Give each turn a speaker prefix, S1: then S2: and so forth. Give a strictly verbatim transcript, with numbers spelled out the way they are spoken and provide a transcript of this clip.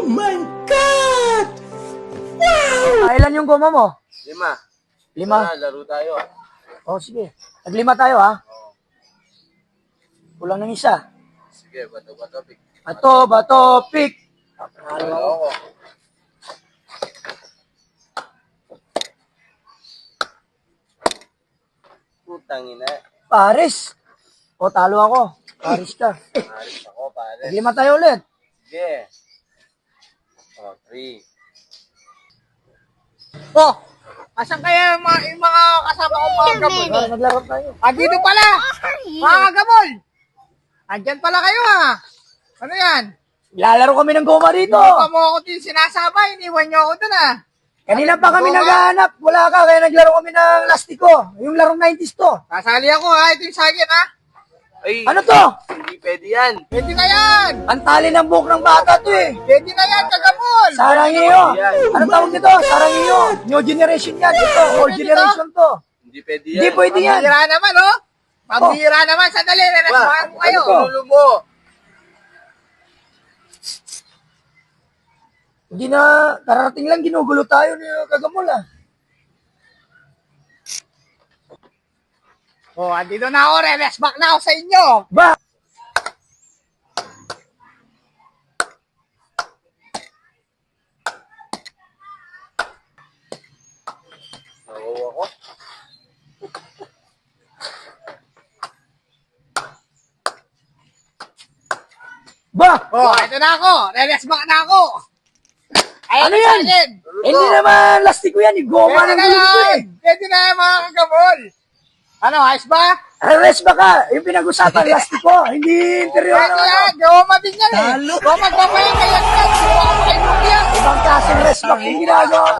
S1: my God! Wow!
S2: Ah, ilan yung goma mo?
S3: Lima.
S2: Lima?
S3: Tara, laro tayo.
S2: Oh, sige. Naglima tayo, ha? Kulang ng isa.
S3: Sige, bato-bato, pick.
S2: Bato, bato, pick. Panalo
S3: Ano
S2: ako.
S3: ako? Putang ina.
S2: Paris. O, talo ako. Paris ka.
S3: Aris ako, pare.
S2: Naglima tayo ulit.
S3: Sige. Oh, three.
S4: Oh, asan kaya yung mga, yung mga kasama kong mga gamol?
S2: Tara, naglaro tayo.
S4: Ah, dito pala! Mga gamol! Andyan pala kayo ha! Ano yan?
S2: Lalaro kami ng goma dito.
S4: Hindi pa mo ako din sinasama, iniwan nyo ako dun ha!
S2: Kanina pa kami
S4: Goma?
S2: naghahanap. Wala ka, kaya naglaro kami ng lastiko. Yung larong nineties to.
S4: Kasali ako ha, ito yung sakin ha!
S3: Ay,
S2: Ano to?
S3: hindi pwede yan.
S4: Pwede na yan!
S2: Ang tali ng buhok ng bata to eh.
S4: Pwede na yan, kagamol!
S2: Sarangiyo. Anong tawag nito? Sarangiyo. New generation yan. Ito, old generation to.
S3: Hindi pwede yan.
S2: Hindi pwede yan.
S4: Pambira naman oh! Pambira naman, sandali, renasmahan ko kayo!
S2: ano to?
S3: Ulo mo.
S2: Hindi na, kararating lang, ginugulo tayo ni Kagamol ah.
S4: Oh, andito na ako, reverse back na ako sa inyo!
S2: Ba?
S3: Nakuha ko.
S2: Ba?
S4: Oh, ito na ako, reverse back na ako! Ayan
S2: Ano
S4: ang
S2: yan?
S4: sakin.
S2: Hindi naman lastiko yan, eh. Goma
S4: Pwede
S2: ng
S4: na
S2: gulo ko
S4: yan!
S2: eh.
S4: Pwede na yan mga kagamol! Ano, ayos ba?
S2: Arrest ba ka? Yung pinag-usapan, lastiko. Hindi interior
S4: Pwede
S2: na ano.
S4: yan! Gawama din yan eh!
S2: Talo.
S4: Gawama, gawama yan! Kaya yan! Suwa ka pa kayo yan!
S2: Ibang klaseng rest back yung ginagawa.